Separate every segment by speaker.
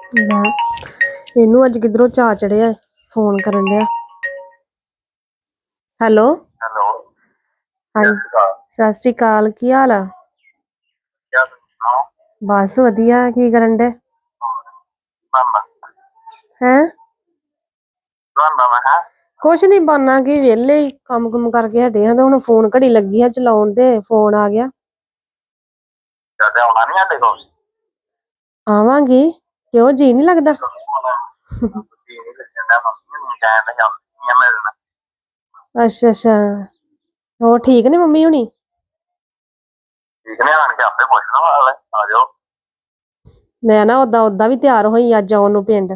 Speaker 1: ਲੈ ਇਹਨੂੰ ਅੱਜ ਕਿਧਰੋਂ ਚਾਅ ਚੜਿਆ ਫੋਨ ਕਰਨ ਡਿਆ। ਹੈਲੋ
Speaker 2: ਹੈਲੋ
Speaker 1: ਹਾਂਜੀ ਸਤਿ ਸ਼੍ਰੀ ਅਕਾਲ, ਕੀ ਹਾਲ ਆ? ਬਸ ਵਧੀਆ। ਕੀ ਕਰਨ ਡੇ? ਹੈਂ ਕੁਛ ਨੀ ਬਣਨਾ ਕੀ, ਵਿਹਲੇ ਹੀ ਕੰਮ ਕੁਮ ਕਰਕੇ ਹਟੇ ਆ ਤੇ ਹੁਣ ਫੋਨ ਘੜੀ ਲੱਗੀ ਆ ਚਲਾਉਣ ਤੇ ਫੋਨ ਆ ਗਿਆ।
Speaker 2: ਆਉਣਾ ਨੀ ਸਾਡੇ ਕੋਲ?
Speaker 1: ਆਵਾਂਗੀ, ਕਿਉਂ ਜੀ ਨੀ ਲੱਗਦਾ? ਅੱਛਾ ਅੱਛਾ, ਹੋਰ ਠੀਕ ਨੇ ਮੰਮੀ ਹੁਣੀ?
Speaker 2: ਠੀਕ ਨੇ, ਆਣ ਕੇ ਆਪੇ ਪੁੱਛ ਲਓ, ਆ ਜਾਓ।
Speaker 1: ਮੈਂ ਨਾ ਓਦਾਂ ਵੀ ਤਿਆਰ ਹੋਈ ਅੱਜ ਆਉਣ ਨੂੰ ਪਿੰਡ।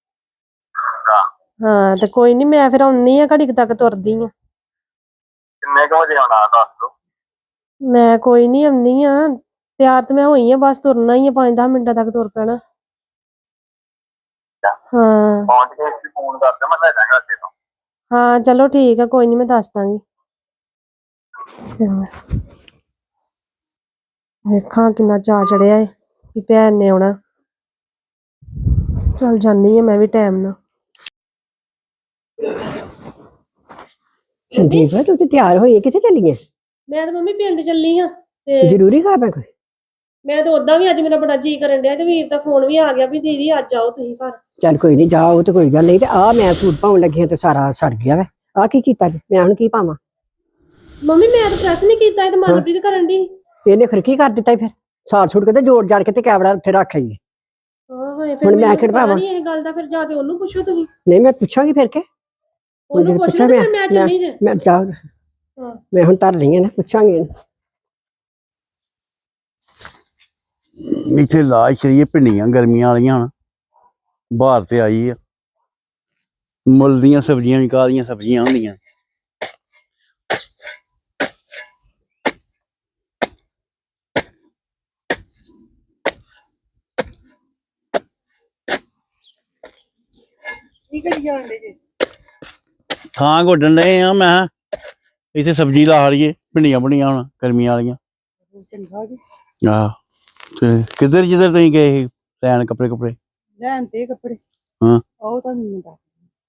Speaker 1: ਹਾਂ ਤੇ ਕੋਈ ਨੀ, ਮੈਂ ਫਿਰ ਆਉਣੀ ਆ, ਘੜੀ ਕੁ ਤੱਕ ਤੁਰਦੀ ਆ।
Speaker 2: ਕਿੰਨੇ ਕੁ ਵਜੇ ਆਉਣਾ ਦੱਸ ਦੋ।
Speaker 1: ਮੈਂ ਕੋਈ ਨੀ ਆਉਣੀ ਆ, ਤਿਆਰ ਤੇ ਮੈਂ ਹੋਈ ਆ, ਬਸ ਤੁਰਨਾ ਹੀ ਆ, 5-10 ਮਿੰਟਾਂ ਤੱਕ ਤੁਰ ਪੈਣਾ। ਹਾਂ
Speaker 2: ਪਹੁੰਚ ਕੇ ਫੋਨ ਕਰ ਦਿਓ, ਮੈਂ ਲੈ ਜਾਵਾਂਗਾ ਅੱਗੇ ਤੋਂ।
Speaker 1: ਹਾਂ ਚਲੋ ਠੀਕ ਆ, ਕੋਈ ਨੀ ਮੈਂ ਦੱਸ ਦਾਂਗੀ। ਵੇਖਾਂ ਕਿੰਨਾ ਚਾਅ ਚੜਿਆ ਏ ਵੀ ਭੈਣ ਨੇ ਆਉਣਾ। ਚੱਲ ਜਾਨੀ ਆ ਮੈਂ ਵੀ ਟਾਈਮ ਨਾਲ।
Speaker 3: ਸੰਦੀਪ ਤੂੰ ਤੇ ਤਿਆਰ ਹੋਈ, ਕਿੱਥੇ ਚੱਲੀ ਆਂ?
Speaker 1: ਮੈਂ ਤਾਂ ਮੰਮੀ ਪਿੰਡ ਚੱਲੀ ਹਾਂ ਤੇ
Speaker 3: ਜ਼ਰੂਰੀ ਕੰਮ ਹੈ ਕੋਈ?
Speaker 1: ਮੈਂ ਤਾਂ ਓਦਾਂ ਵੀ ਅੱਜ ਮੇਰਾ ਬੜਾ ਜੀ ਕਰਨ ਡਿਆ ਤੇ ਵੀਰ ਦਾ ਫੋਨ ਵੀ ਆ ਗਿਆ ਵੀ ਦੀਦੀ ਅੱਜ ਆਓ ਤੁਸੀਂ ਘਰ।
Speaker 3: ਚੱਲ ਕੋਈ ਨਹੀਂ, ਜਾ ਉਹ ਤੇ ਕੋਈ ਗੱਲ ਨਹੀਂ। ਤੇ ਆ ਮੈਂ ਸੂਟ ਪਾਉਣ ਲੱਗੀ ਹਾਂ ਤੇ ਸਾਰਾ ਸੜ ਗਿਆ ਵਾ। ਆ ਕੀ ਕੀਤਾ ਜੀ? ਮੈਂ ਹੁਣ ਕੀ ਪਾਵਾਂ?
Speaker 1: ਮੰਮੀ ਮੈਂ ਤਾਂ ਪ੍ਰੈਸ ਨਹੀਂ ਕੀਤਾ, ਇਹ ਤਾਂ ਮਨਪ੍ਰੀਤ ਕਰਨ ਦੀ।
Speaker 3: ਇਹਨੇ ਫਿਰ ਕੀ ਕਰ ਦਿੱਤਾ? ਫਿਰ ਸਾੜ ਛੁੱਟ ਕੇ ਤੇ ਜੋੜ ਜਾੜ ਕੇ ਤੇ ਕੈਮਰਾ ਉੱਥੇ ਰੱਖ ਆਈ।
Speaker 1: ਹਾਂ ਫਿਰ
Speaker 3: ਮੈਂ
Speaker 1: ਮੈਨੂੰ
Speaker 3: ਕਿਹੜਾ
Speaker 1: ਪਤਾ
Speaker 3: ਪਾਵਾਂ?
Speaker 1: ਨਹੀਂ ਇਹ ਗੱਲ ਦਾ, ਫਿਰ ਜਾ ਕੇ ਉਹਨੂੰ ਪੁੱਛੋ ਤੁਸੀਂ।
Speaker 3: ਨਹੀਂ ਮੈਂ ਪੁੱਛਾਂਗੀ ਫਿਰ ਕੇ।
Speaker 1: ਉਹਨੂੰ ਪੁੱਛ ਲਓ ਤੇ ਫਿਰ ਮੈਂ ਚੱਲੀ ਜੇ।
Speaker 3: ਮੈਂ ਜਾ, ਮੈਂ ਹੁਣ ਧਰ ਲਈ ਆ ਨਾ, ਪੁੱਛਾਂਗੀ।
Speaker 4: ਇੱਥੇ ਲਾਜ ਸ਼ਰੀਏ ਭਿੰਡੀਆਂ ਗਰਮੀਆਂ ਵਾਲੀਆਂ ਬਾਹਰ ਤੇ ਆਈ ਆ। ਮੁੱਲ ਦੀਆਂ ਸਬਜ਼ੀਆਂ ਵੀ ਕਾਹਦੀਆਂ ਸਬਜ਼ੀਆਂ ਹੁੰਦੀਆਂ।
Speaker 3: ਕੀ ਕਰੀ ਜਾਂਦੇ ਜੀ?
Speaker 4: ਥਾਂ ਗੋਡਣ ਡਏ ਆ, ਮੈਂ ਇੱਥੇ ਸਬਜ਼ੀ ਲਾ ਲਈਏ, ਭਿੰਡੀਆਂ ਭੁੰਡੀਆਂ ਹੁਣ ਗਰਮੀਆਂ ਵਾਲੀਆਂ। ਆਹ ਤੇ ਕਿੱਧਰ ਜਿੱਧਰ ਤੁਸੀਂ ਗਏ ਸੀ ਲੈਣ ਕੱਪੜੇ ਕੁਪੜੇ?
Speaker 3: ਲੈਣ ਤੇ ਕੱਪੜੇ?
Speaker 4: ਹਾਂ
Speaker 3: ਉਹ ਤਾਂ ਨਹੀਂ ਦੱਸ।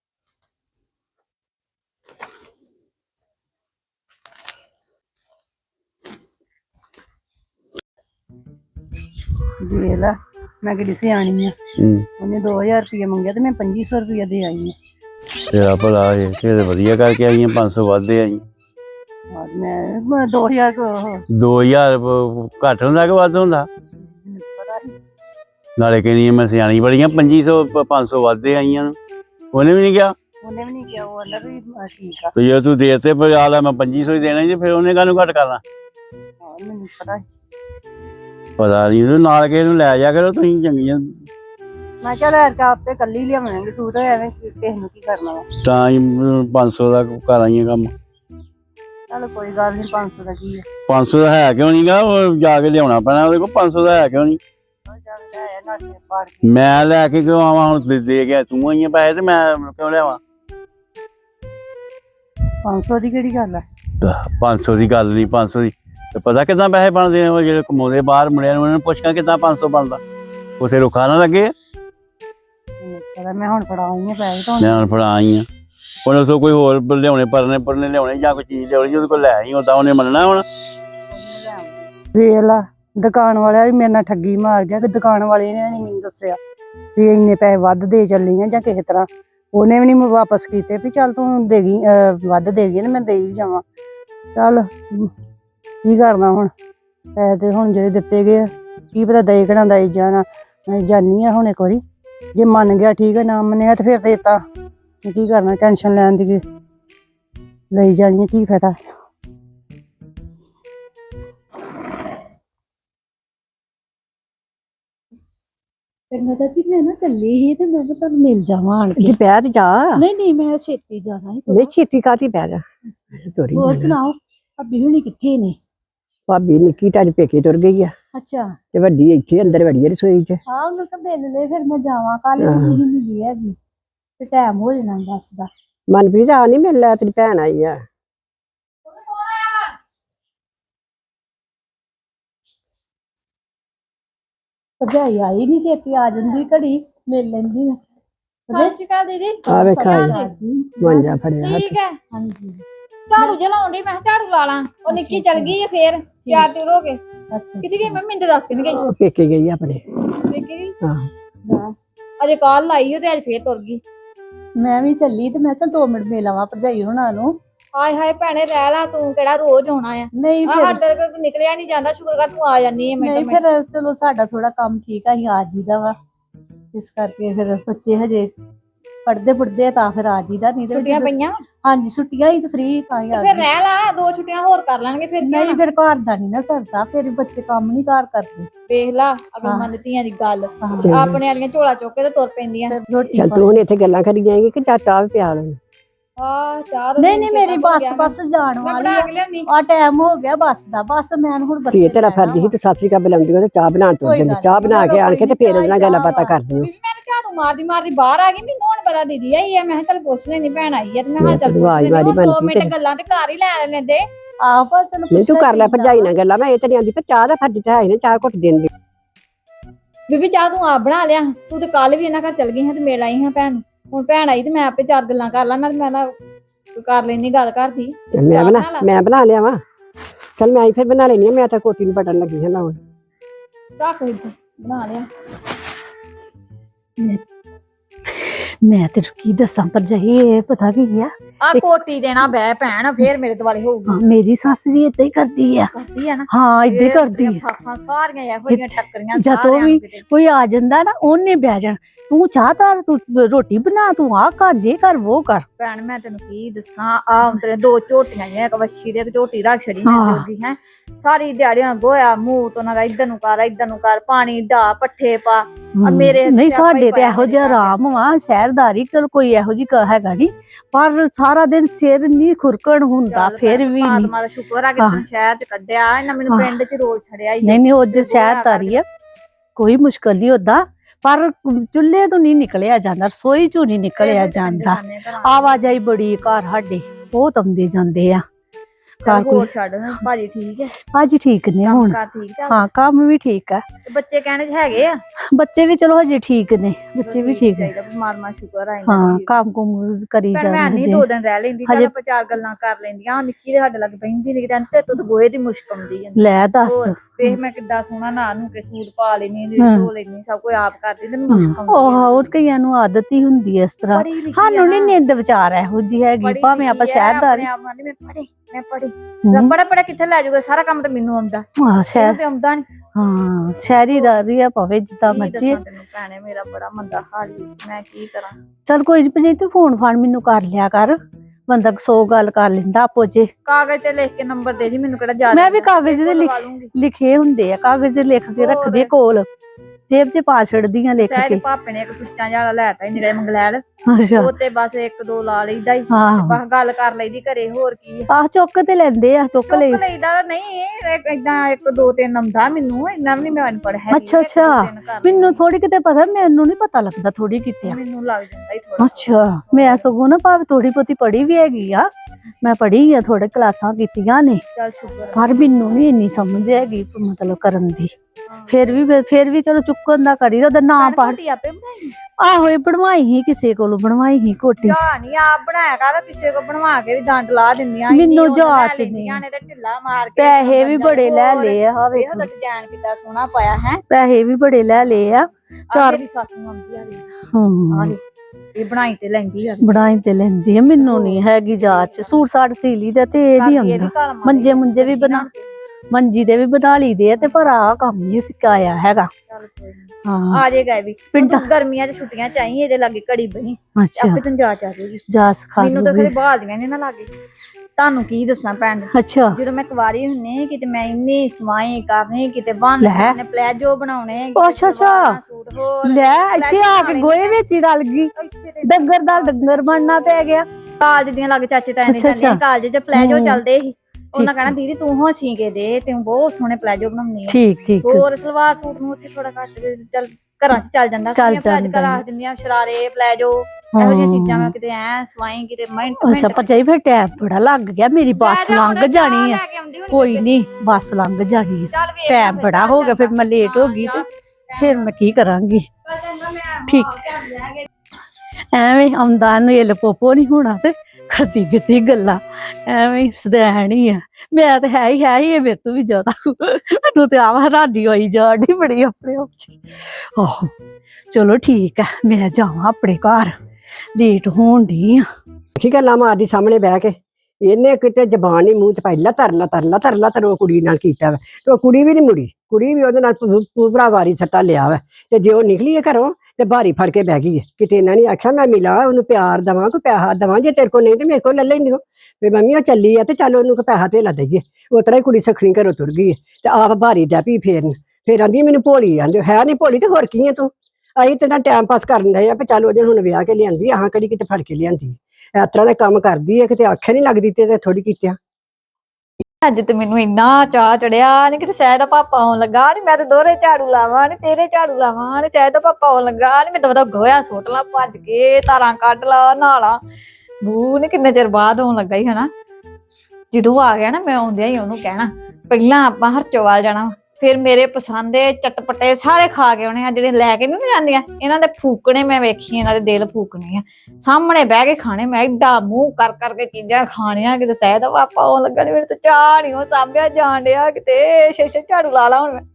Speaker 3: ਦੇ ਲਾ, ਮੈਂ ਕਿਹੜੀ ਸਿਆਣੀ ਆ। ਉਹਨੇ 2000 ਰੁਪਇਆ ਮੰਗਿਆ ਤੇ ਮੈਂ 2500 ਰੁਪਇਆ ਦੇ ਆਈ ਆ।
Speaker 4: ਤੇਰਾ ਭਲਾ ਏ, ਇਹ ਵਧੀਆ ਕਰਕੇ ਆਈਆਂ, 500 ਵੱਧ ਦੇ ਆਈ।
Speaker 3: ਮੈਂ 2000
Speaker 4: 2000 ਘੱਟ ਹੁੰਦਾ ਕਿ ਵੱਧ ਹੁੰਦਾ? ਨਾਲੇ ਕਹਿੰਦੀ ਮੈਂ ਸਿਆਣੀ ਬੜੀ ਆ, 2500 500 ਵੱਧ ਦੇ ਆਈਆਂ ਨੂੰ। ਉਹਨੇ ਵੀ ਨਹੀਂ ਕਿਹਾ?
Speaker 3: ਉਹਨੇ ਵੀ ਨਹੀਂ ਕਿਹਾ, ਉਹ ਕਹਿੰਦਾ ਵੀ ਠੀਕ ਆ।
Speaker 4: ਤੇ ਜੇ ਤੂੰ ਦੇ ਤੇ ਆ ਲੈ, ਮੈਂ 2500 ਹੀ ਦੇਣਾ ਜੀ, ਫਿਰ ਉਹਨੇ ਕਾਹਨੂੰ ਘੱਟ ਕਰਨਾ?
Speaker 3: ਮੈਨੂੰ ਪਤਾ
Speaker 4: ਨਹੀਂ, ਨਾਲ ਕਿਸੇ ਨੂੰ ਲੈ ਜਾ ਕਰੋ ਤੁਸੀਂ, ਚੰਗੀਆਂ।
Speaker 3: ਮੈਂ ਚੱਲ ਐਰਕਾ ਆਪੇ ਕੱਲੀ ਲਿਆਵਾਂਗੇ ਸੂਟ, ਐਵੇਂ ਕਿਸੇ ਨੂੰ ਕੀ ਕਰਨਾ ਵਾ।
Speaker 4: ਤਾਂ ਹੀ 500 ਦਾ ਕਰ ਆਈਆਂ ਕੰਮ।
Speaker 3: ਚੱਲ ਕੋਈ ਗੱਲ ਨਹੀਂ, 500 ਦਾ ਕੀ ਆ।
Speaker 4: 500 ਦਾ ਹੈ ਕਿਉਂ ਨਹੀਂਗਾ? ਉਹ ਜਾ ਕੇ ਲਿਆਉਣਾ ਪੈਣਾ ਉਹਦੇ ਕੋਲ। 500 ਦਾ ਹੈ ਕਿਉਂ ਨਹੀਂ? ਮੈਂ ਲੈ ਕੇ ਕਿਉਂ ਆਵਾਂ? ਹੁਣ ਦੇ ਗਿਆ ਤੂੰ ਆਈਆਂ ਪੈਸੇ ਤੇ ਮੈਂ ਕਿਉਂ ਲਿਆਵਾਂ?
Speaker 3: 500 ਦੀ ਕਿਹੜੀ ਗੱਲ ਆ?
Speaker 4: 500 ਦੀ ਗੱਲ ਨਹੀਂ, 500 ਦੀ ਤੇ ਪਤਾ ਕਿੱਦਾਂ ਪੈਸੇ ਬਣਦੇ ਨੇ? ਉਹ ਜਿਹੜੇ ਕਮਾਉਂਦੇ ਬਾਹਰ ਮੁੰਡਿਆਂ ਨੂੰ, ਉਹਨਾਂ ਨੂੰ ਪੁੱਛਾਂ ਕਿੱਦਾਂ 500 ਬਣਦਾ? ਉੱਥੇ ਰੁੱਖਾ ਨਾ ਲੱਗੇ।
Speaker 3: ਮੈਂ ਹੁਣ ਫੜਾ ਆਈ ਆ ਪੈਸੇ।
Speaker 4: ਮੈਂ ਹੁਣ ਫੜਾ ਆਈ ਆ। ਹੁਣ ਉਥੋਂ ਕੋਈ ਹੋਰ ਲਿਆਉਣੇ, ਪਰਨੇ ਲਿਆਉਣੇ ਜਾਂ ਕੋਈ ਚੀਜ਼ ਲਿਆਉਣੀ, ਉਹਦੇ ਕੋਲ ਲੈ ਆਈ। ਉਦਾਂ ਉਹਨੇ ਮੰਨਣਾ ਹੁਣ?
Speaker 3: ਵੇਖ ਲਾ, ਦੁਕਾਨ ਵਾਲਿਆ ਵੀ ਮੇਰੇ ਨਾਲ ਠੱਗੀ ਮਾਰ ਗਿਆ ਕਿ ਦੁਕਾਨ ਵਾਲੇ ਨੇ ਨੀ ਮੈਨੂੰ ਦੱਸਿਆ ਵੀ ਇੰਨੇ ਪੈਸੇ ਵੱਧ ਦੇ ਚੱਲੀ ਆ ਜਾਂ ਕਿਸੇ ਤਰ੍ਹਾਂ। ਉਹਨੇ ਵੀ ਨੀ ਵਾਪਸ ਕੀਤੇ ਵੀ ਚੱਲ ਤੂੰ ਦੇ ਗਈ, ਵੱਧ ਦੇ ਗਈ, ਮੈਂ ਦੇ ਹੀ ਜਾਵਾਂ। ਚੱਲ ਕੀ ਕਰਨਾ ਹੁਣ, ਪੈਸੇ ਤੇ ਹੁਣ ਜਿਹੜੇ ਦਿੱਤੇ ਗਏ, ਕੀ ਪਤਾ ਦਈ ਕਿ ਨਾ ਦਈ ਜਾਣਾ। ਮੈਂ ਜਾਨੀ ਆ ਹੁਣ ਇੱਕ ਵਾਰੀ, ਜੇ ਮੰਨ ਗਿਆ ਠੀਕ ਹੈ, ਨਾ ਮੰਨਿਆ ਤੇ ਫਿਰ ਦੇਤਾ। ਕੀ ਕਰਨਾ, ਟੈਨਸ਼ਨ ਲੈਣ ਦੀ ਲਈ ਜਾਣੀ, ਕੀ ਫਾਇਦਾ।
Speaker 5: ਚੰਗਾ ਚਾਚੀ, ਮੈਂ ਨਾ ਚੱਲੀ ਸੀ ਤੇ ਮੈਂ ਤੁਹਾਨੂੰ ਮਿਲ ਜਾਵਾਂ ਆਣ ਕੇ।
Speaker 3: ਜੀ ਬਹਿ ਤੇ ਜਾ।
Speaker 5: ਨਹੀਂ ਮੈਂ ਛੇਤੀ ਜਾਣਾ ਸੀ।
Speaker 3: ਨਹੀਂ ਛੇਤੀ ਕਾਹਦੀ ਬਹਿ ਜਾ।
Speaker 5: ਹੋਰ ਸੁਣਾਓ, ਭਾਬੀ ਹੁਣੀ ਕਿੱਥੇ ਨੇ?
Speaker 3: ਭਾਬੀ ਨਿੱਕੀ ਤਾਂ ਅੱਜ ਪੇਕੇ ਤੁਰ ਗਈ ਆ
Speaker 5: ਅੱਛਾ,
Speaker 3: ਤੇ ਵੱਡੀ ਇੱਥੇ ਅੰਦਰ ਵੜੀ ਆ ਰਸੋਈ 'ਚ।
Speaker 5: ਹਾਂ ਉਹਨੂੰ ਤਾਂ ਮਿਲ ਲੈ, ਫਿਰ ਮੈਂ ਜਾਵਾਂ। ਕੱਲ ਨਹੀਂ ਮਿਲੀ ਹੈਗੀ ਤੇ ਟਾਈਮ ਹੋ ਜਾਣਾ ਬੱਸ ਦਾ।
Speaker 3: ਮਨਪ੍ਰੀਤ ਆ ਨੀ ਮਿਲ ਲੈ, ਤੇਰੀ ਭੈਣ ਆਈ ਆ।
Speaker 5: ਭਰਜਾਈ ਆਈ ਨੀ, ਛੇਤੀ ਆ ਜਾਂਦੀ ਘੜੀ। ਮਿਲ ਲੈਂਦੀ ਮੈਂ। ਸਤਿ ਸ਼੍ਰੀ ਅਕਾਲ ਦੀਦੀ।
Speaker 6: ਆ ਵੇਖਾ
Speaker 5: ਜੀ
Speaker 6: ਮੰਜਾ ਫੜਿਆ ਹੱਥ
Speaker 7: ਠੀਕ ਹੈ।
Speaker 5: ਹਾਂਜੀ
Speaker 7: ਝਾੜੂ ਜਲਾਉਂਦੀ ਮੈਂ ਕਿਹਾ ਝਾੜੂ ਲਾ ਲਾਂ। ਉਹ ਨਿੱਕੀ ਚਲ ਗਈ ਹੈ ਫੇਰ ਤਿਆਰ ਤਿਉਰ ਹੋ ਕੇ।
Speaker 5: ਅੱਛਾ
Speaker 7: ਕਿੱਥੇ ਗਈ ਮੈਂ ਮੈਨੂੰ ਤਾਂ ਦੱਸ ਕੇ ਨੀ ਗਈ।
Speaker 6: ਉਹ ਪੇਕੇ ਗਈ ਆਪਣੇ
Speaker 7: ਵੇਖੀ ਗਈ
Speaker 6: ਹਾਂ
Speaker 7: ਅਜੇ ਕਾਲ ਲਾਈ ਉਹ ਤੇ ਅੱਜ ਫੇਰ ਤੁਰ ਗਈ।
Speaker 5: ਮੈਂ ਵੀ ਚੱਲੀ ਤੇ ਮੈਂ ਚੱਲ 2 ਮਿੰਟ ਮਿਲ ਆਵਾਂ ਭਰਜਾਈ ਹੁਣਾਂ ਨੂੰ।
Speaker 7: ਹਾਏ ਹਾਏ ਭੈਣੇ ਰਹਿ ਲਾ ਤੂੰ ਕਿਹੜਾ ਰੋਜ਼ ਆਉਣਾ ਆ।
Speaker 5: ਨਹੀਂ
Speaker 7: ਆਹ
Speaker 5: ਫਿਰ
Speaker 7: ਸਾਡੇ ਕੋਲ ਤਾਂ ਨਿਕਲਿਆ ਨਹੀਂ ਜਾਂਦਾ ਸ਼ੁਕਰ ਕਰ ਤੂੰ ਆ ਜਾਨੀ ਹੈ
Speaker 5: ਨਹੀਂ
Speaker 7: ਮਿੰਟ ਮਿੰਟ।
Speaker 5: ਫਿਰ ਚਲੋ ਸਾਡਾ ਥੋੜਾ ਕੰਮ ਠੀਕ ਆ, ਅਸੀਂ ਆ ਜੀਦਾ ਵਾ। ਇਸ ਕਰਕੇ ਫਿਰ ਬੱਚੇ ਹਜੇ ਪੜਦੇ ਆ ਤਾਂ ਫਿਰ ਆ ਜੀਦਾ, ਨਹੀਂ ਤੇ
Speaker 7: ਛੁੱਟੀਆਂ ਪਈਆਂ
Speaker 5: ਹਾਂਜੀ ਛੁੱਟੀਆਂ ਹੀ ਤੇ ਫ੍ਰੀ ਤਾਂ ਹੀ ਆ
Speaker 7: ਫਿਰ
Speaker 5: ਗਏ।
Speaker 7: ਰਹਿ ਲਾ 2 ਛੁੱਟੀਆਂ ਹੋਰ ਕਰ ਲੈਣਗੇ ਫਿਰ ਕੀ
Speaker 5: ਨਹੀਂ
Speaker 7: ਹੋਣਾ?
Speaker 5: ਫਿਰ ਘਰ ਦਾ ਨਹੀਂ ਨਾ ਸਰਦਾ, ਫਿਰ ਬੱਚੇ ਕੰਮ ਨਹੀਂ ਘਰ ਕਰਦੇ।
Speaker 7: ਵੇਖ ਲਾ ਆਪਣੀ ਮਨ ਧੀਆਂ ਦੀ ਗੱਲ।
Speaker 6: ਚੰਗਾ।
Speaker 7: ਆਪਣੇ ਵਾਲੀਆਂ ਝੋਲਾ ਚੁੱਕ ਕੇ ਤੇ ਤੁਰ ਪੈਂਦੀਆਂ।
Speaker 5: ਫਿਰ ਰੋਟੀ
Speaker 6: ਚੱਲ ਤੂੰ ਹੁਣ ਇੱਥੇ ਗੱਲਾਂ ਕਰੀ ਜਾਏਂਗੀ ਕਿ ਚਾਹ ਵੀ ਪਿਆ ਲੈ।
Speaker 7: ਆਹ ਚਾਹ ਤਾਂ
Speaker 5: ਨਹੀਂ ਮੇਰੀ
Speaker 7: ਭੁੱਲ ਗਿਆ
Speaker 5: ਬੱਸ ਜਾਣ
Speaker 7: ਮੈਂ
Speaker 5: ਵਾਲੀ
Speaker 7: ਬਣਾ
Speaker 5: ਆ।
Speaker 7: ਕੇ ਲਿਆਉਣੀ।
Speaker 5: ਆ ਟਾਈਮ ਹੋ ਗਿਆ ਬੱਸ ਦਾ, ਬੱਸ ਮੈਂ ਹੁਣ ਬੱਸੇ
Speaker 6: ਧੀਏ ਤੇਰਾ ਫਰਜ਼ ਸੀ ਤੂੰ ਸਤਿ ਸ੍ਰੀ ਅਕਾਲ ਬੁਲਾਉਂਦੀ ਹੋ ਤੇ ਚਾਹ ਬਣਾ ਤੋਂ
Speaker 5: ਕੋਈ
Speaker 6: ਦਿੰਦੀ,
Speaker 5: ਗੱਲ
Speaker 6: ਚਾਹ
Speaker 5: ਨੀ,
Speaker 6: ਬਣਾ ਕੇ
Speaker 5: ਚਲੋ
Speaker 6: ਆਣ ਕੇ ਤੇ
Speaker 5: ਕੋਈ
Speaker 6: ਫੇਰ
Speaker 5: ਨੀ,
Speaker 6: ਉਹਦੇ ਨਾਲ ਗੱਲਾਂ
Speaker 5: ਚਾਹ
Speaker 6: ਬਾਤਾਂ ਕਰਦੀ
Speaker 7: ਬੀਬੀ ਮੈਂ ਤਾਂ ਝਾੜੂ ਮਾਰਦੀ ਮਾਰਦੀ ਬਾਹਰ ਆ ਗਈ। ਮੈਨੂੰ ਹੁਣ ਪਤਾ ਦੀਦੀ ਆਈ ਆ। ਮੈਂ ਕਿਹਾ ਚੱਲ ਪੁੱਛ ਲੈਣੀ ਭੈਣ ਆਈ ਆ ਤੇ ਮੈਂ ਕਿਹਾ ਚੱਲ ਪੁੱਛ ਲੈਣੀ। ਹੁਣ 2 ਮਿੰਟ ਗੱਲਾਂ ਤੇ ਘਰ ਹੀ ਲੈ ਲੈਂਦੇ।
Speaker 5: ਆਹ ਪਰ ਚਲੋ
Speaker 6: ਨਹੀਂ ਤੂੰ ਕਰ ਲੈ ਭਰਜਾਈ ਨਾਲ ਗੱਲਾਂ, ਮੈਂ ਇਹ ਤੇ ਨਹੀਂ ਆਂਦੀ ਪਰ ਚਾਹ ਦਾ ਫਰਜ਼ ਤਾਂ ਹੈ ਹੀ ਨਾ, ਚਾਹ ਘੁੱਟ ਦੇਣ ਦੀ।
Speaker 7: ਬੀਬੀ ਚਾਹ ਤੂੰ ਆਪ ਬਣਾ ਲਿਆ। ਤੂੰ ਤੇ ਕੱਲ ਵੀ ਇਹਨਾਂ ਘਰ ਚਲ ਗਈ ਹਾਂ ਤੇ ਮਿਲ ਆਈ ਹਾਂ ਭੈਣ ਨੂੰ। ਹੁਣ ਭੈਣ ਆਈ ਤੇ ਮੈਂ ਆਪੇ 4 ਗੱਲਾਂ ਕਰ ਲਾਂ ਨਾਲ ਮੈਂ ਨਾ ਕਰ ਲੈਣੀ ਗੱਲ ਕਰਦੀ।
Speaker 6: ਚੱਲ ਮੈਂ ਬਣਾ ਲਿਆ ਵਾ। ਚੱਲ ਮੈਂ ਆਈ ਫਿਰ ਬਣਾ ਲੈਣੀ ਆ, ਮੈਂ ਤਾਂ ਕੋਟੀ ਨੂੰ ਬਟਨ ਲੱਗੀ ਹਾਂ ਲਾਉਣ।
Speaker 7: ਰੱਖ ਇੱਥੇ ਬਣਾ ਲਿਆ।
Speaker 5: ਮੈਂ ਤੈਨੂੰ ਕੀ ਦੱਸਾਂ ਭਰਜਾਈ, ਇਹ ਪਤਾ ਕੀ ਆ,
Speaker 7: ਆ ਕੋਟੀ ਦੇਣਾ ਬਹਿ ਭੈਣ ਫੇਰ ਮੇਰੇ ਦੁਆਲੇ ਹੋਊਗੀ।
Speaker 5: ਮੇਰੀ ਸੱਸ ਵੀ ਏਦਾਂ ਹੀ ਕਰਦੀ ਆ।
Speaker 7: ਕਰਦੀ ਆ ਨਾ
Speaker 5: ਹਾਂ ਏਦਾਂ ਹੀ ਕਰਦੀ ਆ।
Speaker 7: ਫਾਫਾਂ ਸਾਰੀਆਂ ਇਹੋ ਜਿਹੀਆਂ ਟੱਕਰੀਆਂ
Speaker 5: ਜਦੋਂ
Speaker 7: ਸਾਰਿਆਂ
Speaker 5: ਵੀ
Speaker 7: ਨੂੰ ਕਿਤੇ।
Speaker 5: ਕੋਈ ਆ ਜਾਂਦਾ ਨਾ ਉਹਨੇ ਬਹਿ ਜਾਣ, ਤੂੰ ਚਾਹ ਧਰ, ਤੂੰ ਰੋਟੀ ਬਣਾ, ਤੂੰ ਆ ਕਰ, ਜੇ ਕਰ ਉਹ ਕਰ।
Speaker 7: ਭੈਣ ਮੈਂ ਤੈਨੂੰ ਕੀ ਦੱਸਾਂ, ਆ ਤੇਰੇ 2 ਝੋਟੀਆਂ ਜਿਹੀਆਂ, ਇੱਕ ਵੱਛੀ ਦੇ ਇੱਕ ਝੋਟੀ ਰੱਖ ਛੜੀ ਮੈਂ
Speaker 5: ਹਾਂ।
Speaker 7: ਜੋਗੀ ਹੈ। ਸਾਰੀ ਦਿਹਾੜੀਆਂ ਗੋਇਆ ਮੂੰਹ ਤੋਂ ਨਾ ਇੱਧਰ ਨੂੰ ਕਰ ਪਾਣੀ ਢਾ ਪੱਠੇ ਪਾ। ਆ ਮੇਰੇ
Speaker 5: ਨਹੀਂ
Speaker 7: ਸਿਆਪਾ ਹੀ
Speaker 5: ਸਾਡੇ ਤੇ
Speaker 7: ਪਾਇਆ
Speaker 5: ਇਹੋ
Speaker 7: ਮੇਰੇ
Speaker 5: ਜਿਹਾ
Speaker 7: ਘਰ ਦੇ।
Speaker 5: ਆਰਾਮ ਵਾ ਸ਼ਹਿਰਦਾਰੀ, ਚਲ ਕੋਈ ਇਹੋ ਜਿਹੀ ਹੈਗਾ ਨਹੀਂ, ਪਰ ਸਾਰਾ ਦਿਨ ਸਿਰ ਨਹੀਂ ਖੁਰਕਣ ਹੁੰਦਾ
Speaker 7: ਚੱਲ
Speaker 5: ਫਿਰ
Speaker 7: ਭੈਣ,
Speaker 5: ਵੀ ਨਹੀਂ।
Speaker 7: ਪਰਮਾਤਮਾ ਦਾ ਸ਼ੁਕਰ ਆ ਕਿ ਤੈਨੂੰ ਸ਼ਹਿਰ ਚ ਕੱਢਿਆ। ਇਹਨਾਂ ਮੈਨੂੰ ਪਿੰਡ ਚ ਰੋਲ ਛੜਿਆ ਹੀ।
Speaker 5: ਨਹੀਂ ਉਹ ਜੇ
Speaker 7: ਤੇ ਗੋਹਾ
Speaker 5: ਸ਼ਹਿਰਦਾਰੀ ਆ ਕੋਈ ਮੁਸ਼ਕਲ ਨਹੀਂ ਹੁੰਦਾ, ਪਰ ਚੁੱਲ੍ਹੇ ਤੋਂ ਨਹੀਂ ਨਿਕਲਿਆ ਜਾਂਦਾ, ਰਸੋਈ ਚੋਂ ਨਹੀਂ ਨਿਕਲਿਆ ਜਾਂਦਾ। ਆਵਾਜਾਈ ਬੜੀ ਘਰ ਸਾਡੇ, ਬਹੁਤ ਆਉਂਦੇ ਜਾਂਦੇ ਆ ਘਰ।
Speaker 7: ਹੋਰ ਛੱਡ ਭਾਜੀ ਠੀਕ ਹੈ।
Speaker 5: ਭਾਜੀ ਠੀਕ ਨੇ ਹੁਣ,
Speaker 7: ਘਰ ਠੀਕ ਠਾਕ?
Speaker 5: ਹਾਂ ਕੰਮ ਵੀ ਠੀਕ ਆ,
Speaker 7: ਤੇ ਬੱਚੇ ਕਹਿਣੇ ਚ ਹੈਗੇ ਆ।
Speaker 5: ਬੱਚੇ ਵੀ ਚਲੋ ਹਜੇ ਠੀਕ ਨੇ, ਬੱਚੇ ਵੀ ਠੀਕ ਨੇ।
Speaker 7: ਪਰਮਾਤਮਾ ਸ਼ੁਕਰ ਆ ਇਹਨਾਂ
Speaker 5: ਹਾਂ
Speaker 7: ਦਾ।
Speaker 5: ਕੰਮ ਕੁਮ ਕਰੀ
Speaker 7: ਪਰ
Speaker 5: ਜਾਂਦੇ
Speaker 7: ਮੈਂ ਨਹੀਂ
Speaker 5: ਹਜੇ।
Speaker 7: 2 ਦਿਨ ਰਹਿ ਲੈਂਦੀ, ਚੱਲ
Speaker 5: ਹਜੇ-
Speaker 7: ਆਪਾਂ 4 ਗੱਲਾਂ ਕਰ ਲੈਂਦੀਆਂ। ਆਹ ਨਿੱਕੀ ਦੇ ਸਾਡੇ ਲੱਗ ਪੈਂਦੀ ਨਹੀਂ ਰਹਿੰਦੇ ਤੇ ਗੋਹੇ ਦੀ ਮੁਸ਼ਕ ਆਉਂਦੀ ਆ।
Speaker 5: ਲੈ ਦੱਸ।
Speaker 7: ਹੋਰ ਵੇਖ ਮੈਂ ਕਿੱਦਾਂ ਸੋਹਣਾ ਨਾ ਨੂੰ ਕੇ ਸੂਟ ਪਾ ਲੈਣੀ,
Speaker 5: ਹਾਂ।
Speaker 7: ਧੋ ਲੈਣੀ, ਸਭ ਕੁਝ ਆਪ ਕਰਦੀ ਤੇ ਮੁਸ਼ਕ ਆਉਂਦੀ ਆ।
Speaker 5: ਉਹ ਕਈਆਂ ਨੂੰ ਆਦਤ ਹੀ ਹੁੰਦੀ ਹੈ ਇਸ ਤਰ੍ਹਾਂ।
Speaker 7: ਪੜ੍ਹੀ ਲਿਖੀ ਆ
Speaker 5: ਸਾਨੂੰ ਨਹੀਂ
Speaker 7: ਨਾ।
Speaker 5: ਨਿੰਦ ਵਿਚਾਰ ਇਹੋ ਜੀ ਹੈਗੀ,
Speaker 7: ਪੜ੍ਹੀ
Speaker 5: ਭਾਵੇਂ ਆਪਾਂ
Speaker 7: ਲਿਖੀ ਆ,
Speaker 5: ਸ਼ਹਿਰਦਾਰੀ।
Speaker 7: ਆਪਣੇ ਆਪ ਨਾਲ ਮੈਂ ਪੜ੍ਹੀ ਕਿੱਥੇ ਲੈ ਜਾਊਗਾ, ਸਾਰਾ ਕੰਮ ਤਾਂ ਮੈਨੂੰ ਆਉਂਦਾ।
Speaker 5: ਹਾਂ ਸ਼ਹਿਰ,
Speaker 7: ਇਹਨੂੰ ਤੇ ਆਉਂਦਾ ਨੀ।
Speaker 5: ਹਾਂ ਸ਼ਹਿਰੀਦਾਰੀ ਆ ਭਾਵੇਂ ਜਿੱਦਾਂ
Speaker 7: ਕੀ
Speaker 5: ਮਰਜੀ।
Speaker 7: ਦੱਸਾਂ ਤੈਨੂੰ ਭੈਣੇ, ਮੇਰਾ ਬੜਾ ਮੰਦਾ ਹਾਲ ਈ, ਮੈਂ ਕੀ ਕਰਾਂ।
Speaker 5: ਚਲ ਕੋਈ ਨਹੀਂ ਭਜੀ, ਤੂੰ ਫੋਨ ਫਾਨ ਮੈਨੂੰ ਕਰ ਲਿਆ ਕਰ, ਬੰਦਾ 100 ਗੱਲ ਕਰ ਲੈਂਦਾ ਆਪੋ ਜੇ।
Speaker 7: ਕਾਗਜ਼ ਤੇ ਲਿਖ ਕੇ ਨੰਬਰ ਦੇ ਜੀ ਮੈਨੂੰ, ਕਿਹੜਾ ਯਾਦ
Speaker 5: ਮੈਂ ਵੀ
Speaker 7: ਰਹਿੰਦਾ।
Speaker 5: ਕਾਗਜ਼ ਦੇ
Speaker 7: ਲਵਾ ਲੂੰਗੀ।
Speaker 5: ਲਿਖੇ ਹੁੰਦੇ ਆ, ਕਾਗਜ਼ ਲਿਖ ਕੇ ਰੱਖਦੇ ਕੋਲ, ਜੇਬ 'ਚ ਪਾ ਛੱਡਦੀਆਂ ਲਿਖ
Speaker 7: ਸ਼ਾਇਦ
Speaker 5: ਕੇ।
Speaker 7: ਭਾਪੇ ਨੇ ਇੱਕ ਸੁੱਚਾਂ ਜਿਹਾ ਲੈਤਾ ਹੀ ਨਿਰੇ ਮੰਗਲੈਲ,
Speaker 5: ਅੱਛਾ
Speaker 7: ਉਹ ਤੇ ਬਸ 1-2 ਲਾ ਲਈਦਾ ਹੀ।
Speaker 5: ਹਾਂ
Speaker 7: ਬਸ ਗੱਲ ਕਰ ਲਈਦੀ ਘਰੇ, ਹੋਰ ਕੀ ਆ।
Speaker 5: ਆਹ ਚੁੱਕ ਤੇ ਲੈਂਦੇ ਆ, ਚੁੱਕ ਲਈ।
Speaker 7: ਚੁੱਕ ਲਈਦਾ ਨਹੀਂ, ਏਦਾਂ 1-2-3 ਆਉਂਦਾ ਮੈਨੂੰ, ਇੰਨਾ ਵੀ ਨਹੀਂ ਮੈਂ ਅਨਪੜ੍ਹ ਹੈ।
Speaker 5: ਅੱਛਾ ਮੈਨੂੰ ਥੋੜੀ ਕਿਤੇ ਪਤਾ, ਮੈਨੂੰ ਨਹੀਂ ਪਤਾ ਲੱਗਦਾ ਥੋੜੀ ਕਿਤੇ।
Speaker 7: ਮੈਨੂੰ ਲੱਗ ਜਾਂਦਾ ਹੀ ਥੋੜਾ।
Speaker 5: ਅੱਛਾ ਮੈਂ ਸਗੋਂ ਨਾ ਭਾਵੇਂ ਥੋੜੀ ਬਹੁਤੀ ਪੜ੍ਹੀ ਵੀ ਹੈਗੀ ਆ, ਮੈਂ ਪੜ੍ਹੀ ਆ, ਥੋੜੇ ਕਲਾਸਾਂ ਕੀਤੀਆਂ ਨੇ,
Speaker 7: ਚੱਲ ਸ਼ੁਕਰ ਆ।
Speaker 5: ਪਰ ਮੈਨੂੰ ਨਹੀਂ ਇੰਨੀ ਸਮਝ ਹੈਗੀ ਮਤਲਬ ਕਰਨ ਦੀ। ਫਿਰ ਵੀ ਚਲੋ ਚੁੱਕਣ ਦਾ ਕਰੀ, ਉਹਦਾ ਨਾਂ
Speaker 7: ਭੈਣ
Speaker 5: ਪੜ।
Speaker 7: ਕੋਟੀ ਆਪੇ ਬਣਾਈ?
Speaker 5: ਆਹੋ ਇਹ ਬਣਵਾਈ ਹੀ ਕਿਸੇ ਕੋਲੋਂ, ਬਣਵਾਈ ਹੀ ਕੋਟੀ।
Speaker 7: ਜਾ ਨਹੀਂ ਆਪ ਬਣਾਇਆ ਕਰ, ਕਿਸੇ ਕੋ ਬਣਵਾ ਕੇ ਵੀ ਡੰਡ ਲਾ ਦਿੰਦੀਆਂ।
Speaker 5: ਮੈਨੂੰ
Speaker 7: ਇੰਨੀ ਉਹਨੇ
Speaker 5: ਜਾਚ
Speaker 7: ਲੈ ਲੈਂਦੀਆਂ
Speaker 5: ਨਹੀਂ।
Speaker 7: ਨੇ ਤੇ ਢਿੱਲਾ ਮਾਰ ਕੇ
Speaker 5: ਪੈਸੇ ਵੀ
Speaker 7: ਬੰਦਾ
Speaker 5: ਬੜੇ ਲੈ
Speaker 7: ਹੋਰ।
Speaker 5: ਲਏ ਆ, ਆਹ
Speaker 7: ਵੇਖੋ
Speaker 5: ਵੇਖੋ
Speaker 7: ਡਿਜ਼ਾਈਨ ਕਿੱਦਾਂ ਸੋਹਣਾ ਪਾਇਆ ਹੈ।
Speaker 5: ਪੈਸੇ ਵੀ ਬੜੇ ਲੈ ਲਏ ਆ। ਚਾਰ
Speaker 7: ਮੇਰੀ ਸੱਸ ਨੂੰ ਆਉਂਦੀ ਆ
Speaker 5: ਹੂੰ
Speaker 7: ਇਹ ਬਣਾਈ ਤੇ ਲੈਂਦੀ ਆ।
Speaker 5: ਬਣਾਈ ਤੇ ਲੈਂਦੀ ਆ, ਮੈਨੂੰ ਨਹੀਂ ਹੈਗੀ ਜਾਚ। ਸੂਟ ਸਾਟ ਸੀ ਲਈ ਦਾ ਤੇ ਇਹ ਨਹੀਂ ਆਉਂਦਾ। ਮੰਜੇ ਮੁੰਜੇ ਵੀ ਬਣਾ, ਮੰਜੀ ਦੇ ਵੀ ਬਣਾ ਲਈਦੇ ਆ ਤੇ ਪਰ ਆਹ ਕੰਮ ਨਹੀਂ ਸਿਖਾਇਆ ਹੈਗਾ। ਹਾਂ
Speaker 7: ਆ ਜਾਏਗਾ ਇਹ ਵੀ।
Speaker 5: ਪਿੰਡਾਂ
Speaker 7: ਤੂੰ ਗਰਮੀਆਂ 'ਚ ਛੁੱਟੀਆਂ ਚਾਹੀਏ, ਇਹਦੇ ਲਾਗੇ ਘੜੀ ਬਣੀ,
Speaker 5: ਅੱਛਾ
Speaker 7: ਆਪੇ ਤੈਨੂੰ ਜਾਚ ਆ ਜਾਏਗੀ।
Speaker 5: ਜਾ ਸਿਖਾ
Speaker 7: ਮੈਨੂੰ ਤਾਂ
Speaker 5: ਦੂੰਗੀ।
Speaker 7: ਕਦੇ ਬਹਾਲਦੀਆਂ ਨੇ ਨਾ ਲਾਗੇ। ਤੁਹਾਨੂੰ ਕੀ ਦੱਸਾਂ ਭੈਣ,
Speaker 5: ਅੱਛਾ
Speaker 7: ਜਦੋਂ ਮੈਂ ਕੁਵਾਰੀ ਹੁੰਨੀ ਕਿਤੇ ਮੈਂ ਇੰਨੀ ਸਵਾਈ ਕਰਨੀ, ਕਿਤੇ ਬੰਨ
Speaker 5: ਲੈ।
Speaker 7: ਸਕਨੇ, ਪਲਾਜੋ ਬਣਾਉਣੇ,
Speaker 5: ਅੱਛਾ,
Speaker 7: ਸਲਵਾਰਾਂ, ਸੂਟ ਹੋਰ
Speaker 5: ਲੈ ਇੱਥੇ ਆ ਕੇ ਗੋਏ ਵਿੱਚ ਹੀ ਰਲ ਗਈ,
Speaker 7: ਇੱਥੇ ਤੇ
Speaker 5: ਡੰਗਰ ਦਾ ਡੰਗਰ ਬਣਨਾ ਪੈ ਗਿਆ।
Speaker 7: ਕਾਲਜ ਦੀਆਂ ਲੱਗ ਚਾਚੇ ਤਾਏ ਨੇ
Speaker 5: ਅੱਛਾ,
Speaker 7: ਜਾਂਦੀਆਂ
Speaker 5: ਅੱਛਾ।
Speaker 7: ਕਾਲਜ 'ਚ ਪਲਾਜੋ ਚੱਲਦੇ ਸੀ। ਉਹਨਾਂ
Speaker 5: ਠੀਕ।
Speaker 7: ਕਹਿਣਾ ਦੀਦੀ ਤੂੰ ਹੋ ਸੀ ਕੇ ਦੇ, ਤੂੰ ਬਹੁਤ ਸੋਹਣੇ ਪਲਾਜੋ ਬਣਾਉਣੀ ਆ।
Speaker 5: ਠੀਕ ਠੀਕ
Speaker 7: ਹੋਰ ਸਲਵਾਰ ਸੂਟ ਨੂੰ ਉੱਥੇ ਥੋੜਾ ਘੱਟ ਚੱਲ ਘਰਾਂ 'ਚ ਚੱਲ ਜਾਂਦਾ।
Speaker 5: ਚੱਲ
Speaker 7: ਕੁੜੀਆਂ ਅੱਜ ਕੱਲ੍ਹ
Speaker 5: ਜਾਂਦਾ।
Speaker 7: ਆਖ ਦਿੰਦੀਆਂ ਸ਼ਰਾਰੇ ਪਲਾਜੋ ਇਹੋ ਜਿਹੀਆਂ ਚੀਜ਼ਾਂ ਮੈਂ ਕਿਤੇ ਐ ਸਵਾਈ ਕਿਤੇ ਮਿੰਟ
Speaker 5: ਅੱਛਾ ਭਰਜਾਈ ਫਿਰ ਟਾਈਮ ਬੜਾ ਲੱਗ ਗਿਆ, ਮੇਰੀ ਬੱਸ ਲੰਘ ਜਾਣੀ ਆ। ਕੋਈ ਨਹੀਂ ਬੱਸ ਲੰਘ ਜਾਣੀ ਆ, ਟਾਈਮ ਬੜਾ ਹੋ ਗਿਆ, ਫਿਰ ਮੈਂ ਲੇਟ ਹੋ ਗਈ ਤੇ ਫਿਰ ਮੈਂ ਕੀ ਕਰਾਂਗੀ। ਠੀਕ ਐਵੇਂ ਆਉਂਦਾ ਨੂੰ ਇਹ ਪੋਪੋ ਨਹੀਂ ਹੋਣਾ ਤੇ ਕਰਦੀ ਫਿਰਦੀ ਗੱਲਾਂ ਐਵੇਂ ਸਦੈਣੀ ਆ। ਮੈਂ ਤੇ ਹੈ ਹੀ ਇਹ ਮੇਰੇ ਤੋਂ ਵੀ ਜ਼ਿਆਦਾ ਮੈਨੂੰ ਤੇ ਆਵਾ ਹੈਰਾਨੀ ਹੋਈ ਜਾਣੀ ਬੜੀ ਆਪਣੇ ਆਪ ਚ। ਆਹੋ ਚਲੋ ਠੀਕ ਆ ਮੈਂ ਜਾਵਾਂ ਆਪਣੇ ਘਰ ਲੇਟ ਹੋਣ ਡਈ ਆ।
Speaker 6: ਕੀ ਗੱਲਾਂ ਮਾਰਦੀ ਸਾਹਮਣੇ ਬਹਿ ਕੇ, ਇਹਨੇ ਕਿਤੇ ਜ਼ਬਾਨ ਹੀ ਮੂੰਹ ਚ ਪਹਿਲਾਂ ਤਰਲਾ ਉਹ ਕੁੜੀ ਨਾਲ ਕੀਤਾ ਵਾ ਤੇ ਉਹ ਕੁੜੀ ਵੀ ਨਹੀਂ ਮੁੜੀ, ਕੁੜੀ ਵੀ ਉਹਦੇ ਨਾਲ ਪੂਰਾ ਵਾਰੀ ਸੱਟਾ ਲਿਆ ਵਾ ਤੇ ਜੇ ਉਹ ਨਿਕਲੀ ਹੈ ਘਰੋਂ ਤੇ ਭਾਰੀ ਫੜ ਕੇ ਬਹਿ ਗਈ ਹੈ। ਕਿਤੇ ਇਹਨਾਂ ਨੇ ਆਖਿਆ ਮੈਂ ਮਿਲਾਂ ਉਹਨੂੰ ਪਿਆਰ ਦੇਵਾਂ ਕੋਈ ਪੈਸਾ ਦੇਵਾਂ, ਜੇ ਤੇਰੇ ਕੋਲ ਨਹੀਂ ਤੇ ਮੇਰੇ ਕੋਲ ਲੈ ਲੈਂਦੀ ਹੋ ਵੀ ਮੰਮੀ ਉਹ ਚੱਲੀ ਆ ਤੇ ਚੱਲ ਉਹਨੂੰ ਕੋਈ ਪੈਸਾ ਧੇਲਾ ਦੇਈਏ। ਉਸ ਤਰ੍ਹਾਂ ਹੀ ਕੁੜੀ ਸਖਣੀ ਘਰੋਂ ਤੁਰ ਗਈ ਹੈ ਤੇ ਆਪ ਭਾਰੀ ਡੈ ਪਈ ਫੇਰਨ। ਫੇਰ ਆਂਦੀ ਮੈਨੂੰ ਭੋਲੀ ਆਂਦੇ ਹੈ ਨਹੀਂ ਭੋਲੀ ਤੇ ਹੋਰ ਕੀ ਹੈ ਤੂੰ। ਅਸੀਂ ਤੇ ਨਾ ਟਾਈਮ ਪਾਸ ਕਰਨ ਡਏ ਆ ਵੀ ਚੱਲ ਉਹਦੇ ਹੁਣ ਵਿਆਹ ਕੇ ਲਿਆਂਦੀ ਆਹ ਕਿਹੜੀ ਕਿਤੇ ਫੜ ਕੇ ਲਿਆਂਦੀ ਇਸ ਤਰ੍ਹਾਂ ਦਾ ਕੰਮ ਕਰਦੀ ਹੈ ਕਿਤੇ ਆਖਿਆ ਨਹੀਂ ਲੱਗਦੀ ਤੇ ਥੋੜੀ ਕੀਤਿਆ।
Speaker 7: ਅੱਜ ਤੇ ਮੈਨੂੰ ਇੰਨਾ ਚਾਹ ਚੜਿਆ ਨੀ ਕਿਤੇ ਸਹਿਜ ਦਾ ਪਾਪਾ ਆਉਣ ਲੱਗਾ ਨੀ, ਮੈਂ ਤੇ ਦੋਹਰੇ ਝਾੜੂ ਲਾਵਾਂ ਨੀ ਤੇਰੇ ਝਾੜੂ ਲਾਵਾਂ ਨੀ, ਸਹਿਜ ਦਾ ਪਾਪਾ ਆਉਣ ਲੱਗਾ ਨੀ, ਮੈਂ ਦਵਾ ਗੋਇਆ ਸੁੱਟ ਲਾ ਭੱਜ ਕੇ ਤਾਰਾਂ ਕੱਢ ਲਾ ਨਾਲਾ ਬੂ ਨੀ ਕਿੰਨੇ ਚਿਰ ਬਾਅਦ ਆਉਣ ਲੱਗਾ ਹੀ ਹਨਾ। ਜਦੋਂ ਆ ਗਿਆ ਨਾ ਮੈਂ ਆਉਂਦਿਆਂ ਹੀ ਉਹਨੂੰ ਕਹਿਣਾ ਪਹਿਲਾਂ ਆਪਾਂ ਹਰਚੋਵਾਲ ਜਾਣਾ, ਫਿਰ ਮੇਰੇ ਪਸੰਦ ਦੇ ਚਟਪਟੇ ਸਾਰੇ ਖਾ ਕੇ ਆਉਣੇ ਆ ਜਿਹੜੇ ਲੈ ਕੇ ਨਹੀਂ ਜਾਂਦੀਆਂ ਇਹਨਾਂ ਦੇ ਫੂਕਣੇ ਮੈਂ ਵੇਖੀ ਇਹਨਾਂ ਦੇ ਦਿਲ ਫੂਕਣੇ ਆ ਸਾਹਮਣੇ ਬਹਿ ਕੇ ਖਾਣੇ ਮੈਂ ਐਡਾ ਮੂੰਹ ਕਰ ਕਰਕੇ ਚੀਜ਼ਾਂ ਖਾਣੀਆਂ ਕਿਤੇ ਸਹਿ ਦਾ ਪਾਪਾ ਆਉਣ ਲੱਗਾ ਨੀ ਮੇਰੇ ਤੇ ਚਾਹ ਨੀ ਉਹ ਸਾਂਭਿਆ ਜਾਣ ਡਿਆ ਕਿਤੇ ਛੇ ਝਾੜੂ ਲਾ ਲਾ ਹੁਣ ਮੈਂ।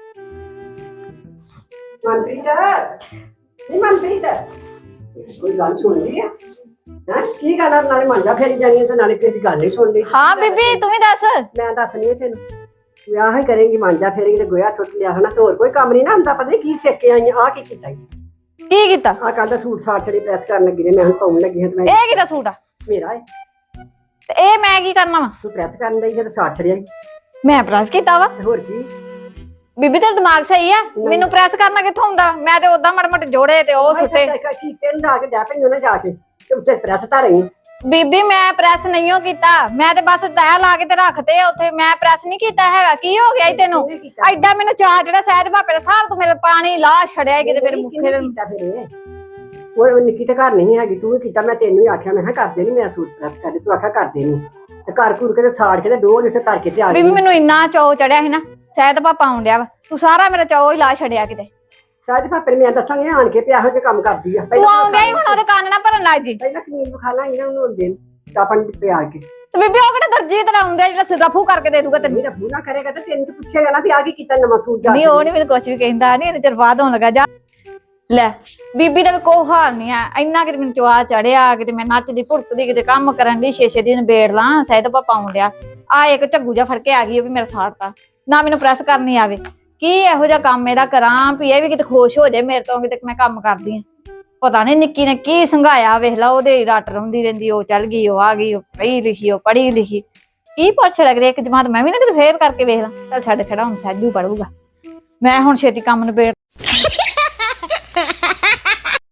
Speaker 6: ਮਨਪ੍ਰੀਤ ਕੋਈ ਗੱਲ ਸੁਣ ਲਈ ਆ ਕੀ ਗੱਲ ਨਾਲੇ ਮੰਜਾ ਫੇਰੀ ਜਾਣੀ ਤੇ ਨਾਲੇ ਕਿਸੇ ਦੀ ਗੱਲ ਨਹੀਂ ਸੁਣ ਲਈ।
Speaker 7: ਹਾਂ ਬੀਬੀ ਤੂੰ ਵੀ ਦੱਸ।
Speaker 6: ਮੈਂ ਦੱਸਣੀ ਆ ਤੈਨੂੰ ਵਿਆਹ ਹੀ ਕਰੇਂਗੀ ਮਾਂਜਾ ਫੇਰੇਂਗੀ ਤੇ ਗੋਇਆ ਛੁੱਟ ਲਿਆ ਹਨਾ ਤੇ ਹੋਰ ਕੋਈ ਕੰਮ ਨਹੀਂ ਨਾ ਹੁੰਦਾ। ਪਤਾ ਨੀ ਕੀ ਸਿੱਖ ਕੇ ਆਈ ਆ ਕੀ ਕੀਤਾ
Speaker 7: ਕੀ ਕੀਤਾ
Speaker 6: ਆ ਕੱਲ ਦਾ ਸੂਟ ਸਾਟ ਛੜੀ ਪ੍ਰੈਸ ਕਰਨ ਲੱਗੀ ਨੇ ਮੈਂ ਹੁਣ ਪਾਉਣ ਲੱਗੀ ਹਾਂ ਤੇ ਮੈਂ
Speaker 7: ਇਹ ਕਿਹਦਾ ਸੂਟ ਆ
Speaker 6: ਮੇਰਾ ਹੈ
Speaker 7: ਤੇ ਇਹ ਮੈਂ ਕੀ ਕਰਨਾ ਵਾ
Speaker 6: ਤੂੰ ਪ੍ਰੈਸ ਕਰਨ ਲਈ ਤੇ ਸਾਟ ਛੜਿਆ
Speaker 7: ਮੈਂ ਪ੍ਰੈਸ ਕੀਤਾ ਵਾ
Speaker 6: ਤੇ ਹੋਰ ਕੀ
Speaker 7: ਬੀਬੀ ਤੇਰਾ ਦਿਮਾਗ ਸਹੀ ਆ ਮੈਨੂੰ ਪ੍ਰੈਸ ਕਰਨਾ ਕਿੱਥੋਂ ਹੁੰਦਾ ਮੈਂ ਤੇ ਉਦਾਂ ਮੜ ਜੋੜੇ ਤੇ ਉਹ ਸੁੱਟੇ
Speaker 6: ਕੀਤੇ ਨੂੰ ਲਾ ਕੇ ਡੈ ਪਈ ਉਹਨੇ ਜਾ ਕੇ ਤੇ ਉੱਤੇ ਪ੍ਰੈਸ ਤਾਂ ਰਹੀ
Speaker 7: ਬੀਬੀ ਮੈਂ ਪ੍ਰੈਸ ਨਹੀਂ ਕੀਤਾ ਮੈਂ ਤੇ ਬਸ ਤੈਅ ਲਾ ਕੇ ਤੇ ਰੱਖਤੇ ਉੱਥੇ ਮੈਂ ਪ੍ਰੈਸ ਨਹੀਂ ਕੀਤਾ ਹੈਗਾ। ਕੀ ਹੋ ਗਿਆ ਈ ਤੈਨੂੰ ਐਡਾ ਮੈਨੂੰ ਚਾਹ ਜਿਹੜਾ ਸਹਿਜ ਭਾਪੇ ਦਾ ਸਾਰ ਤੂੰ ਮੇਰੇ ਪਾਣੀ ਲਾ ਛੜਿਆ ਕਿਤੇ ਮੇਰੇ ਮੁੱਖੇ ਦੇ
Speaker 6: ਕੀਤਾ ਫਿਰ ਉਹ ਨਿੱਕੀ ਤੇ ਘਰ ਨਹੀਂ ਹੈਗੀ ਤੂੰ ਕੀਤਾ ਮੈਂ ਤੈਨੂੰ ਹੀ ਆਖਿਆ ਮੈਂ ਕਿਹਾ ਕਰਦੇ ਨਹੀਂ ਮੇਰਾ ਸੂਟ ਪ੍ਰੈਸ ਕਰਦੇ ਤੂੰ ਆਖਿਆ ਕਰਦੇ ਨਹੀਂ ਤੇ ਘਰ ਘੁਰ ਕੇ ਤੇ ਸਾੜ ਕੇ ਤੇ ਡੋਲ ਉੱਥੇ ਧਰ ਕੇ ਤੇ ਆ ਗਈ।
Speaker 7: ਬੀਬੀ ਮੈਨੂੰ ਇੰਨਾ ਚੌ ਚੜਿਆ ਸੀ ਨਾ ਸਹਿਜ ਭਾਪਾ ਆਉਣ ਡਿਆ ਵਾ ਤੂੰ ਸਾਰਾ ਮੇਰਾ ਚੌ ਹੀ ਲਾ ਛੜਿਆ ਕਿਤੇ।
Speaker 6: ਸਹਿਜ ਭਾਪੇ ਮੈਂ ਦੱਸਾਂਗੇ ਆਣ ਕੇ ਪਿਆ ਇਹੋ ਜਿਹੇ ਕੰਮ ਕਰਦੀ ਆ
Speaker 7: ਤੂੰ ਆਉਂਦਾ ਹੀ ਹੁਣ ਉਹਦੇ ਕੰਨ ਨਾ ਭਰਨ ਲੱਗ ਜੀ
Speaker 6: ਪਹਿਲਾਂ ਕਮੀਜ਼ ਵਿਖਾ ਲਾਂ ਇਹਨਾਂ ਨੂੰ ਹੁੰਦੇ ਚਾਪਣ ਪਿਆ ਕੇ
Speaker 7: ਤੇ ਬੀਬੀ ਉਹ ਕਿਹੜਾ ਦਰਜੀ ਤਰ੍ਹਾਂ ਆਉਂਦਾ ਜਿਹੜਾ ਸਿੱਧਾ ਫੂ ਕਰਕੇ ਦੇ ਦੂਗਾ ਤੈਨੂੰ।
Speaker 6: ਮੇਰਾ ਬੂਨਾ ਕਰੇਗਾ ਤੇ ਤੈਨੂੰ ਤਾਂ ਪੁੱਛੇਗਾ ਨਾ ਵੀ ਆ ਕੀ ਕੀਤਾ ਨਵਾਂ ਸੂਟ ਜਾ
Speaker 7: ਨਹੀਂ ਉਹ ਨਹੀਂ ਮੈਨੂੰ ਕੁਝ ਵੀ ਕਹਿੰਦਾ ਨਹੀਂ ਇਹਨੇ ਚਿਰ ਬਾਅਦ ਹੋਣ ਲੱਗਾ ਜਾ ਲੈ ਬੀਬੀ ਦਾ ਵੀ ਕੋਈ ਹਾਲ ਨਹੀਂ ਆ ਇੰਨਾ ਕਿ ਮੈਨੂੰ ਚਵਾ ਚੜਿਆ ਕਿਤੇ ਮੈਂ ਨੱਚਦੀ ਭੁੜਕਦੀ ਕਿਤੇ ਕੰਮ ਕਰਨ ਦੀ 6-6 ਦਿਨ ਬੇੜ ਲਾਂ ਸਹਿਦ ਪਾਪਾ ਆਉਣ ਡਿਆ ਆ ਇੱਕ ਝੱਗੂ ਜਾ ਫੜ ਕੇ ਆ ਗਈ ਉਹ ਵੀ ਮੇਰਾ ਸਾੜਤਾ ਨਾ ਮੈਨੂੰ ਪ੍ਰੈਸ ਕਰਨੀ ਆਵੇ ਕੀ ਇਹੋ ਜਿਹਾ ਕੰਮ ਇਹਦਾ ਕਰਾਂ ਵੀ ਇਹ ਵੀ ਕਿਤੇ ਖੁਸ਼ ਹੋ ਜਾਏ ਮੇਰੇ ਤੋਂ ਕਿਤੇ ਮੈਂ ਕੰਮ ਕਰਦੀ ਆ। ਪਤਾ ਨਹੀਂ ਨਿੱਕੀ ਨੇ ਕੀ ਸੰਘਾਇਆ ਵੇਖ ਲਾ ਉਹਦੇ ਰੱਟ ਰੋਂਦੀ ਰਹਿੰਦੀ ਉਹ ਚੱਲ ਗਈ ਉਹ ਆ ਗਈ ਉਹ ਪੜ੍ਹੀ ਲਿਖੀ ਉਹ ਪੜ੍ਹੀ ਲਿਖੀ ਕੀ ਪੜ ਛੜਕਦੇ ਇੱਕ ਜਮਾਤ ਮੈਂ ਵੀ ਨਾ ਕਿਤੇ ਫੇਰ ਕਰਕੇ ਵੇਖ ਲਾਂ ਚੱਲ ਛੱਡ ਖੜਾ ਹੁਣ ਸਹਿਜੂ ਪੜੂਗਾ ਮੈਂ ਹੁਣ ਛੇਤੀ ਕੰਮ ਨਿਬੇੜ